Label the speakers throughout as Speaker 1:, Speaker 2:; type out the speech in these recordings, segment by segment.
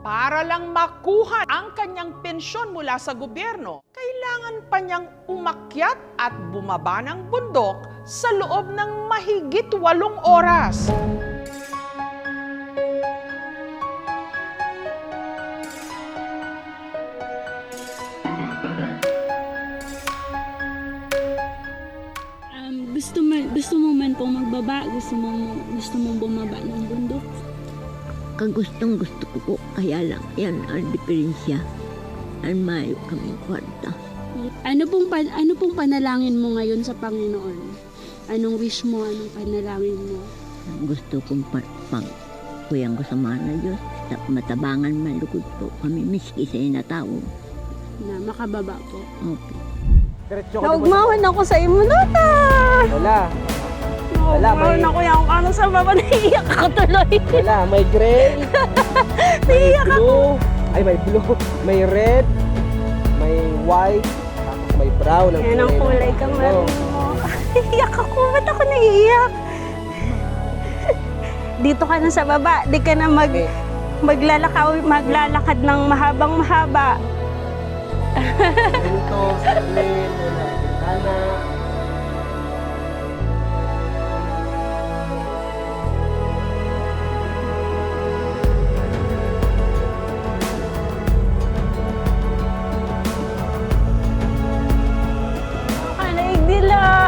Speaker 1: Para lang makuha ang kanyang pensyon mula sa gobyerno, kailangan pa niyang umakyat at bumaba ng bundok sa loob ng mahigit 8 oras.
Speaker 2: Gusto mo man pong magbaba, gusto mo bumaba ng bundok.
Speaker 3: Kagustong gusto ko po, kaya lang yan ang diferensya. Ang mayo kami kwarta.
Speaker 2: Ano pong panalangin mo ngayon sa Panginoon? Anong wish mo, anong panalangin mo?
Speaker 3: Gusto kong kuyang ko sa mga na Diyos, matabangan malugod po kami, miski sa inatao.
Speaker 2: Na makababa po.
Speaker 3: Opo.
Speaker 4: Naugmawan ako sa imo, Nota!
Speaker 5: Wala.
Speaker 4: Naugmawan ako yan kung ano sa baba, naiiyak ako tuloy.
Speaker 5: Wala. May gray. May blue. Ay, may blue. May red. May white. Tapos may brown.
Speaker 4: Yan ang kulay kang meron mo. Iyak ako. Ba't ako naiiyak? Dito ka na sa baba. Di ka na maglalakad ng mahabang mahaba.
Speaker 5: Ito, salamin, wala. Bintana.
Speaker 4: Kanaig nila.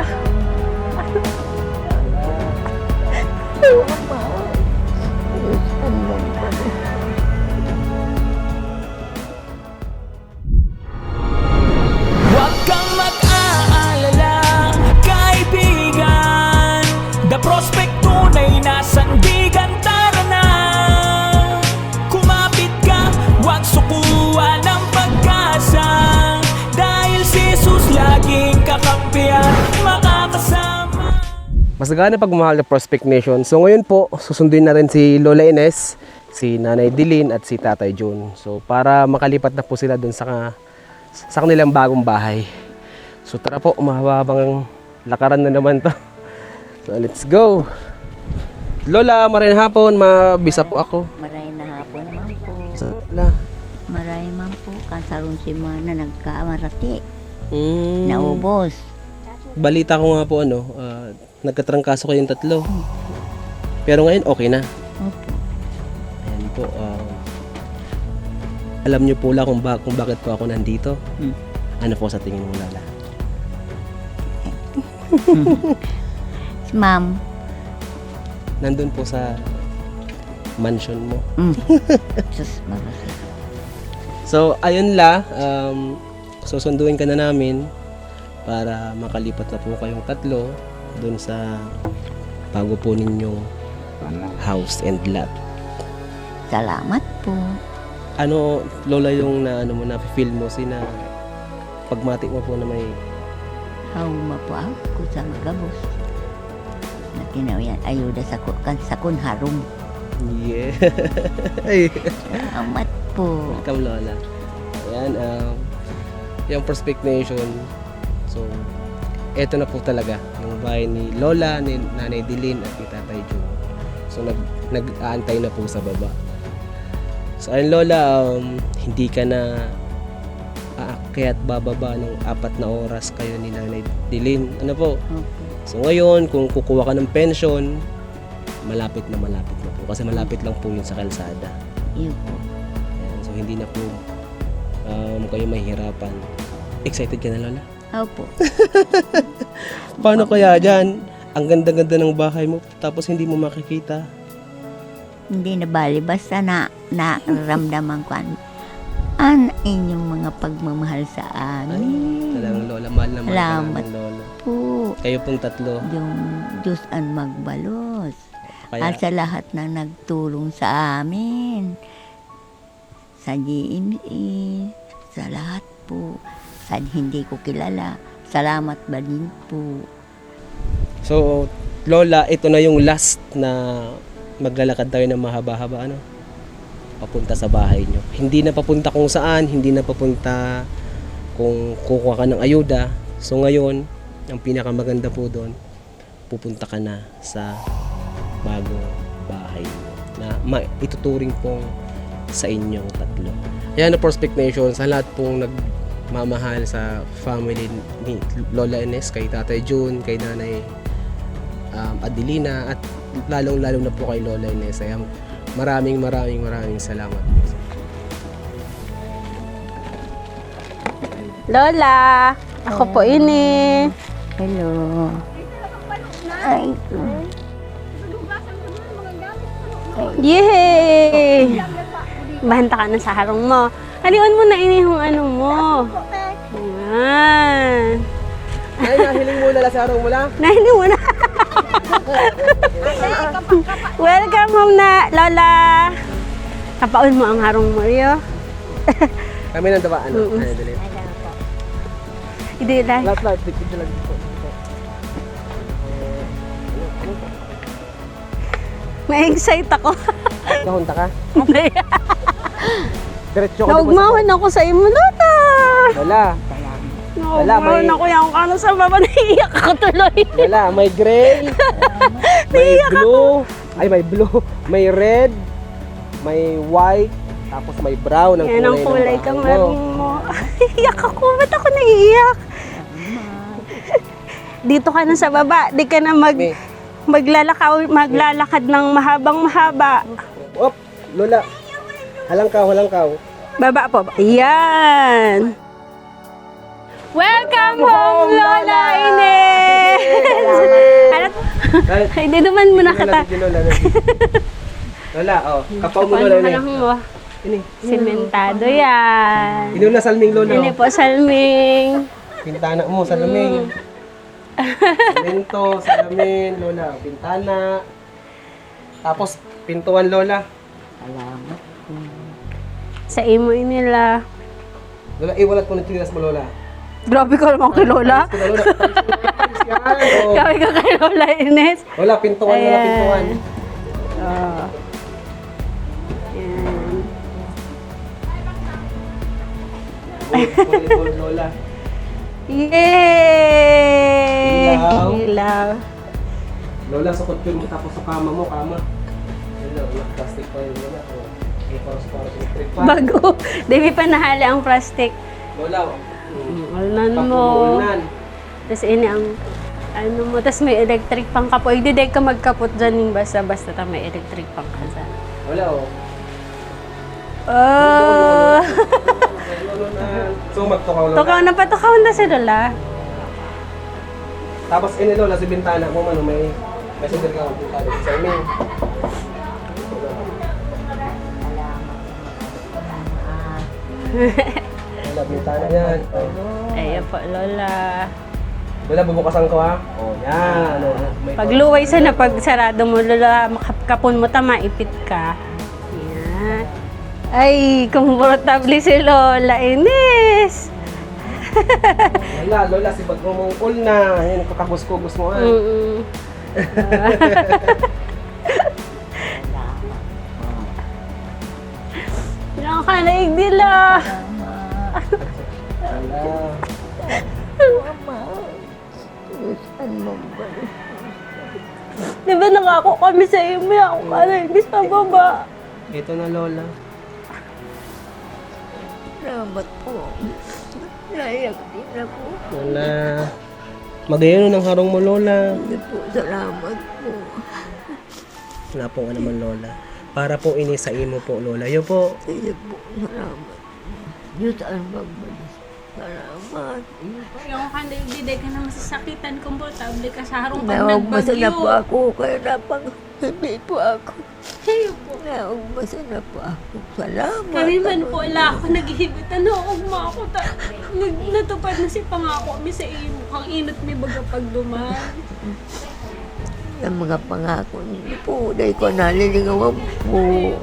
Speaker 6: Huwag kang mag-aalala, kaibigan. The prospect tunay na sandigan, tara na. Kumapit ka, huwag sukuan ng pag-asa. Dahil si Jesus laging kakampihan, makakasama.
Speaker 5: Mas nagana pagmamahal ng Prospect Nation. So ngayon po, susunduin natin si Lola Ines, si Nanay Dilin at si Tatay John. So para makalipat na po sila dun sa kanilang bagong bahay. So tara po, mahabang lakaran na naman to. So let's go. Lola, maraming hapon, mabisa po ako.
Speaker 3: Maray na hapon man po.
Speaker 5: So, Lola.
Speaker 3: Maray man po. Kasaron si Mana nagkamarati.
Speaker 5: Mm,
Speaker 3: Naubos.
Speaker 5: balita ko nga po nagkatrangkaso kayong 3. Pero ngayon okay na.
Speaker 3: Opo.
Speaker 5: Ayan po. Alam niyo po kung bakit po ako nandito. Ano po sa tingin mo, Lala?
Speaker 3: Si Ma'am.
Speaker 5: Nandun po sa mansion mo.
Speaker 3: Sus, marasi.
Speaker 5: So, ayun la. Susunduin ka na namin para makalipat na po kayong 3 dun sa bago po ninyong house and lot.
Speaker 3: Salamat po.
Speaker 5: Ano, Lola, yung na-feel mo na pagmati mo po na may
Speaker 3: Hauma po ako sa magabos. Nakinawian ayuda sa kunharom.
Speaker 5: yeah. Ay,
Speaker 3: Salamat po.
Speaker 5: welcome, Lola. Ayan, yung Prospect Nation. So, eto na po talaga yung bahay ni Lola, ni Nanay Dilin at ni Tatay Joe. So, nag-aantay na po sa baba. So, ayun, Lola, hindi ka na aakyat bababa ng 4 na oras kayo ni Nanay Dilin. Ano po?
Speaker 3: Opo.
Speaker 5: So, ngayon, kung kukuha ka ng pension, malapit na po. Kasi malapit lang po yun sa kalsada.
Speaker 3: Iyo po.
Speaker 5: Ayan, so, hindi na po kayo mahihirapan. Excited ka na, Lola?
Speaker 3: Opo.
Speaker 5: Paano kaya dyan? Ang ganda-ganda ng bahay mo, tapos hindi mo makikita.
Speaker 3: Hindi na bali. Basta naramdaman ko ang inyong mga pagmamahal sa amin.
Speaker 5: Talagang Lola, mahal na mahal ka
Speaker 3: Salamat
Speaker 5: namin, Lola.
Speaker 3: Po.
Speaker 5: Kayo pong 3.
Speaker 3: Yung Diyos ang magbalos.
Speaker 5: Kaya,
Speaker 3: At sa lahat na nagtulong sa amin. Sa GMA, sa lahat po. Sa hindi ko kilala. Salamat ba din po.
Speaker 5: so, Lola, ito na yung last na maglalakad tayo ng mahaba-haba, papunta sa bahay nyo. Hindi na papunta kung saan, hindi na papunta kung kukuha ka ng ayuda. So ngayon, ang pinakamaganda po doon, pupunta ka na sa bagong bahay mo na ituturing pong sa inyong tatlo. Ayan na Prospect Nation, sa lahat pong nagmamahal sa family ni Lola Ines, kay Tatay June, kay Nanay Adelina, at lalong-lalo na po kay Lola Ines. Ayan, maraming salamat.
Speaker 2: Lola, ako po ini.
Speaker 3: Hello. Ay,
Speaker 2: Yay! Bahanta ka na sa harong mo. Haliwan mo na ini yung ano mo. Ayan.
Speaker 5: Ay, nahiling mo na sa araw mula.
Speaker 2: Nahiling mo na. Welcome home na, Lola. Kapaon mo ang harong mo, Rio.
Speaker 5: Kami nang daba, ano? Ano, dali.
Speaker 2: Hindi lang.
Speaker 5: Lahat, dito lang dito.
Speaker 2: May-excite ako.
Speaker 5: Nahunta ka?
Speaker 2: Hindi.
Speaker 5: Diretso ko
Speaker 2: Naugmahon ako sa imo, Lola.
Speaker 5: Lola,
Speaker 2: Naugmahon ako yung kano sa baba. Naiiyak ako tuloy.
Speaker 5: Lola, may gray, may blue, ay may blue, may red, may white, tapos may brown ang
Speaker 2: Yan ang kulay
Speaker 5: ng
Speaker 2: kang
Speaker 5: bahay mo.
Speaker 2: maring mo. Iyak ako. Ba't ako naiiyak? Dito ka na sa baba. Di ka na maglalakad ng mahabang-mahaba.
Speaker 5: Op, Lola, halangkaw.
Speaker 2: Baba po. Ayan. Welcome home, Lola Ines! Hindi naman muna kita.
Speaker 5: Lola, oh, kapaw mo
Speaker 2: Paano
Speaker 5: Lola.
Speaker 2: ka lang mo?
Speaker 5: Ini,
Speaker 2: Simentado yan.
Speaker 5: ini na salming Lola.
Speaker 2: Ini po, salming.
Speaker 5: Pintana mo, salamin. Semento, salamin, Lola. Pintana. Tapos, pintuan, Lola.
Speaker 3: salamat.
Speaker 2: Sa imo nila.
Speaker 5: Lola, iwalat ko ng tinilas mo, Lola.
Speaker 2: Grabe ka naman kay Lola.
Speaker 5: Ito na, Lola. Yan, oh.
Speaker 2: Grabe ka kay Lola Ines.
Speaker 5: Lola, pintuan, Lola,
Speaker 2: Ayan.
Speaker 5: pintuan.
Speaker 2: Oh. Yan.
Speaker 5: Volleyball, Lola.
Speaker 2: Yay!
Speaker 5: Ilaw.
Speaker 2: Ilaw.
Speaker 5: Lola, sukot yun mo tapos sa kama mo, kama. Lola, plastic pa yun, Lola. Oh. Okay, para sa electric pa.
Speaker 2: Bago. Dami pa nahali ang plastic.
Speaker 5: Lola,
Speaker 2: Ulan mo.
Speaker 5: Papunan.
Speaker 2: Tapos ini ang ano mo. Tapos may electric pang kapo. Hindi dahil ka magkapot dyan yung basta-basta ta may electric pang kasa.
Speaker 5: Lola, oh.
Speaker 2: Oh!
Speaker 5: So, magtukaw, Lola.
Speaker 2: Tukaw na pa. Tukaw na si Lola.
Speaker 5: Tapos, ini, Lola, sa bintana mo, ano, may messenger ka, bintana sa amin. Lola, bintana yan.
Speaker 2: Ayan po, Lola.
Speaker 5: Lola, bubukasan ko, ha? Oh, yan. Oh, may
Speaker 2: Pagluway sa na pag sarado mo, Lola, makapon mo ta, maipit ka. Yan. Ay, komportable si Lola Ines.
Speaker 5: Lola, si bag mong na. Yan, kakagos-kugos mo, ha?
Speaker 2: Mm-mm. Nakakanaig nila. Di ba nangako kami sa iyo, may ako ka na ibig sa baba.
Speaker 5: Ito na, Lola.
Speaker 3: Salamat po. Naiyak din ako.
Speaker 5: Lola. Magayon ng harong mo, Lola.
Speaker 3: Hindi po, salamat po.
Speaker 5: Wala po nga naman, Lola. Para po ini sa imo po, Lola. Yo po.
Speaker 3: Hindi po, salamat. Diyos ang magbalik. Salamat.
Speaker 2: Yung kanda hindi ka na masasakitan, komportable ka sa harong pag
Speaker 3: Naugmasa na po
Speaker 2: nagbagyo.
Speaker 3: ako. Kaya napang hindi po ako.
Speaker 2: Hey, po.
Speaker 3: Naugmasa na po ako. Salamat.
Speaker 2: Kami man po, ala ako naghihibit. Ano, ugma ako. Natupad na si pangako mi sa iyo. Kang inot mi baga pagduman.
Speaker 3: Ang mga pangako niyo po. Dahil ko naliligawan po.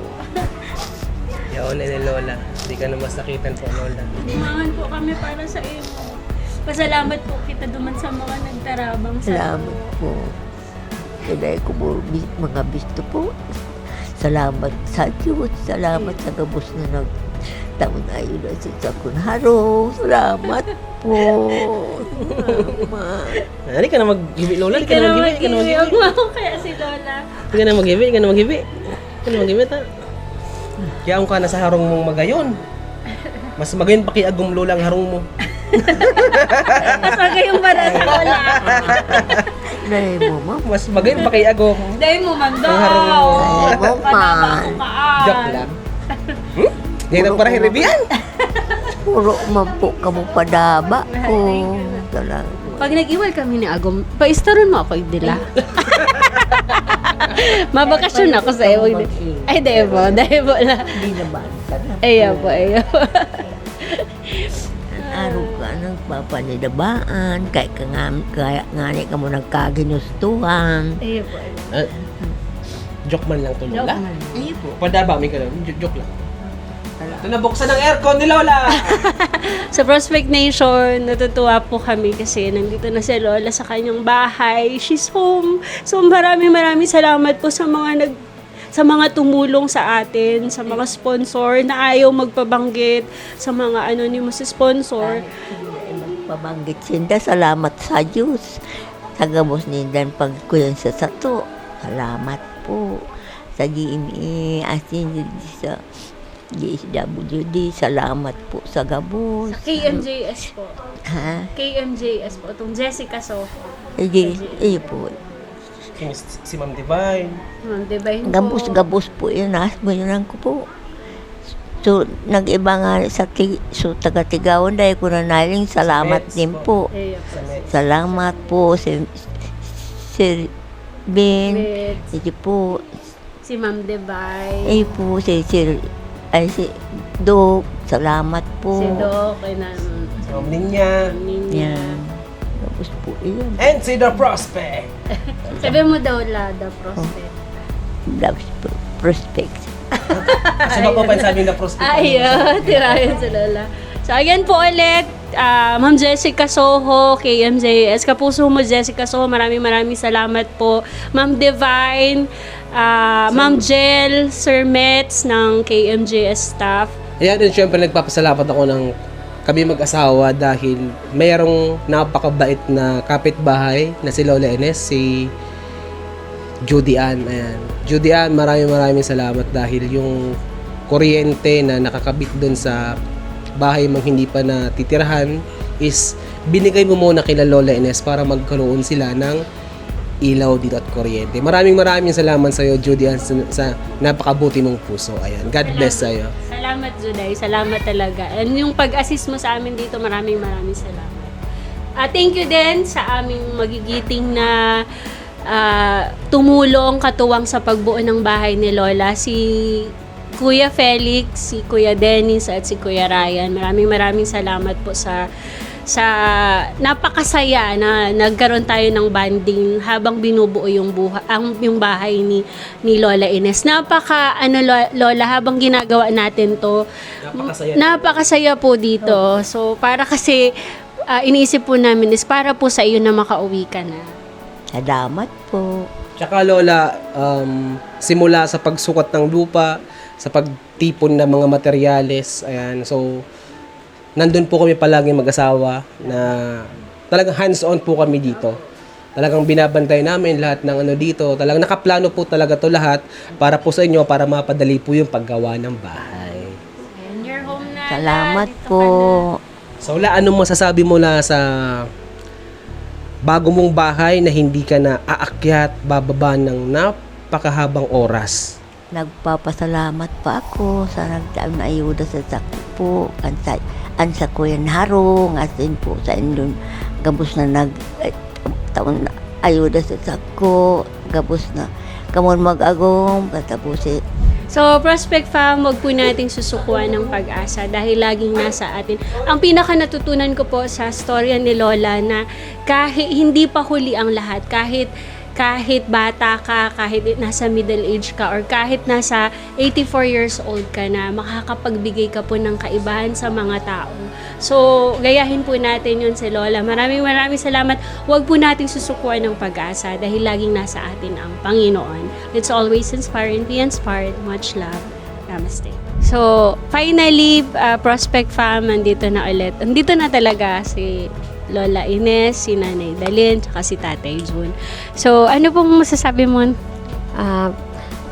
Speaker 5: Yaon ni Lola. Hindi ka na masakitan po, Lola.
Speaker 2: Dumangan po kami para sa iyo. Pasalamat po kita duman sa mga nagtarabang sa
Speaker 3: Salamat po. Kaya ko po mga bisto po. Salamat sa Diyos. Salamat sa gabos na nagtaon ayon na sa kunharong. Salamat po. Salamat.
Speaker 5: Hindi ka na mag-gibi, Lola. Hindi ka na mag-gibi.
Speaker 2: Huwag mo ako kaya si Lola.
Speaker 5: Hindi ka na mag-gibi. Hindi ka na mag-gibi. Hindi ka na mag-gibi, ta. Kaya ka na sa harong mong magayon. Mas magayon pa kay agum lola ang harong mo.
Speaker 2: Mas magayong para sa lola.
Speaker 3: Dahil mo, ma.
Speaker 5: Mas magayon pa kay agum.
Speaker 2: Dahil mo, ma'am, daw.
Speaker 5: Ang harong mo.
Speaker 3: Dahil mo, ma.
Speaker 5: Joke lang. Ngayon ang parang hiribian.
Speaker 3: Puro man po kamo padaba ko. Talaga.
Speaker 2: Pag nag-iwal kami ni Agom, paistaron mo ako, Idila. Mabakasyon ako sa iyo. Ay, dahil mo lang.
Speaker 3: Hindi naman ka na.
Speaker 2: Ayaw po.
Speaker 3: Araw ka nagpapanidabaan. Kaya nga ni ka mo nagkaginustuhan.
Speaker 2: Ayaw po.
Speaker 5: Joke man lang to, lola.
Speaker 3: Ay po.
Speaker 5: Padaba, may ganun. Joke lang. Ito na, buksan ang aircon ni Lola!
Speaker 2: Sa Prospect Nation, natutuwa po kami kasi nandito na si Lola sa kanyang bahay. She's home. So maraming salamat po sa mga tumulong sa atin, sa mga sponsor na ayaw magpabanggit, sa mga anonymous sponsor.
Speaker 3: Pabanggit sinda, salamat sa Diyos. Sa gabos nindan pagkuyan sa sato. Salamat po. Sa GMA, asin sa DSWD, salamat po sa gabos.
Speaker 2: Sa KMJS po.
Speaker 3: Ha?
Speaker 2: KMJS po. Itong Jessica Soho.
Speaker 3: Po.
Speaker 5: Si Ma'am Divine.
Speaker 2: Divine po.
Speaker 3: Gabos po yun. Yun ko po. So, nag-iba nga taga-Tigawan dahil ko na naling salamat
Speaker 5: Mets
Speaker 3: din po.
Speaker 2: Ayaw po.
Speaker 3: Salamat po Sir Ben.
Speaker 2: Mets.
Speaker 3: Sige po.
Speaker 2: Si Ma'am Divine.
Speaker 3: Po, si Doc. Salamat po.
Speaker 2: Si Doc. Ay na.
Speaker 5: Si Ma'am Ninya.
Speaker 3: Yan. Gabos po yun.
Speaker 5: And si The Prospect.
Speaker 2: Sabi mo daw, Lada Prospect.
Speaker 3: Prospect.
Speaker 5: Kasi ba po sabi ng The Prospect?
Speaker 2: Ayaw, tirayan sa Lola. So, again po ulit, Ma'am Jessica Soho, KMJS. Kapuso mo, Jessica Soho, maraming salamat po. Ma'am Divine, Ma'am Jel, Sir Mets ng KMJS staff.
Speaker 5: Ayan, and syempre nagpapasalamat ako ng kami mag-asawa dahil mayroong napakabait na kapitbahay na si Lola Ines, si Judy Ann. Ayan. Judy Ann, maraming salamat dahil yung kuryente na nakakabit doon sa bahay mang hindi pa natitirahan is binigay mo muna kila Lola Ines para magkaroon sila ng ilaw dito at kuryente. Maraming salamat sa iyo, Judy Ann, sa napakabuti mong puso. Ayan. God bless sa iyo.
Speaker 2: Salamat, Juday. Salamat talaga. And yung pag-assist mo sa amin dito, maraming salamat. Thank you din sa aming magigiting na tumulong, katuwang sa pagbuo ng bahay ni Lola. Si Kuya Felix, si Kuya Dennis, at si Kuya Ryan. Maraming salamat po sa napakasaya na nagkaroon tayo ng bonding habang binubuo yung bahay ni Lola Ines. Lola, habang ginagawa natin to, napakasaya po dito. So, para kasi iniisip po namin is para po sa iyo na makauwi ka na.
Speaker 3: Salamat po.
Speaker 5: Tsaka Lola, simula sa pagsukat ng lupa, sa pagtipon ng mga materyales, ayan, so nandun po kami palagi mag-asawa na talagang hands-on po kami dito. Talagang binabantay namin lahat ng dito. Talagang nakaplano po talaga to lahat para po sa inyo, para mapadali po yung paggawa ng bahay.
Speaker 2: And you're home na.
Speaker 3: Salamat
Speaker 2: Dito
Speaker 3: po.
Speaker 2: ka na.
Speaker 5: So Lola, anong masasabi mo na sa bago mong bahay na hindi ka na aakyat, bababa ng napakahabang oras?
Speaker 3: Nagpapasalamat pa ako sa nagdaang na ayuda sa sakit po. Sa Kuyan Harong, asin po sa indon. Gabos na taon na ayuda sa sako. Gabos na kamon mag-agong. Katapusin.
Speaker 2: So, Prospect Fam, wag po nating susukuan ng pag-asa dahil laging nasa atin. Ang pinaka natutunan ko po sa storya ni Lola na kahit hindi pa huli ang lahat, kahit bata ka, kahit nasa middle age ka, or kahit nasa 84 years old ka na, makakapagbigay ka po ng kaibahan sa mga tao. So, gayahin po natin yun si Lola. Maraming salamat. Huwag po nating susukuan ng pag-asa dahil laging nasa atin ang Panginoon. Let's always inspire and be inspired. Much love. Namaste. So, finally, Prospect Fam, nandito na ulit. Nandito na talaga si Lola Ines, si Nanay Dalin, tsaka si Tatay Jun. So, ano pong masasabi mo?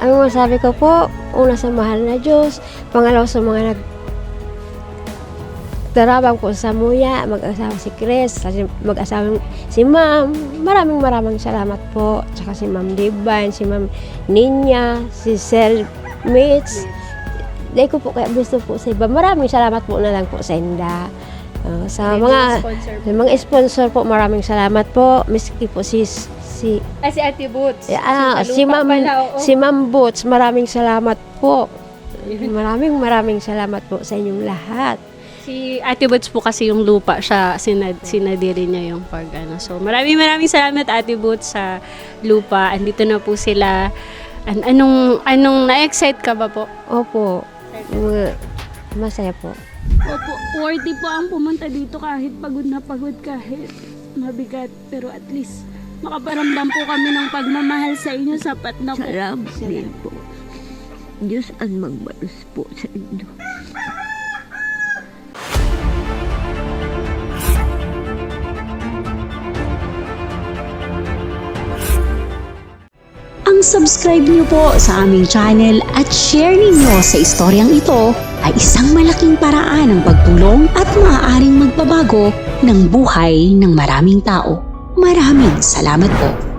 Speaker 4: Ang masabi ko po, una sa mahal na Diyos, pangalawa sa mga nagdarabang po sa Muya, mag-asawa si Chris, mag-asawa si Ma'am. Maraming salamat po. Tsaka si Ma'am Divine, si Ma'am Ninya, si Sir Mitch. Dahil ko po kaya gusto po sa iba. Maraming salamat po na lang po sa Inda. Sa mga sponsor po, maraming salamat po. Miski po si
Speaker 2: Ate Boots.
Speaker 4: Si Ma'am Boots, maraming salamat po. Maraming salamat po sa inyong lahat.
Speaker 2: Si Ate Boots po kasi yung lupa siya, sinadiri niya yung So maraming salamat Ate Boots sa lupa. Andito na po sila. Anong na-excite ka ba po?
Speaker 4: Opo. Masaya po.
Speaker 7: Opo, worthy po ang pumunta dito kahit pagod na pagod, kahit mabigat. Pero at least makaparamdam po kami ng pagmamahal sa inyo, sapat na po.
Speaker 3: Salamat din po. Diyos ang magbalos po sa inyo.
Speaker 8: Ang subscribe niyo po sa aming channel at share ninyo sa istoryang ito ay isang malaking paraan ng pagtulong at maaaring magbabago ng buhay ng maraming tao. Maraming salamat po.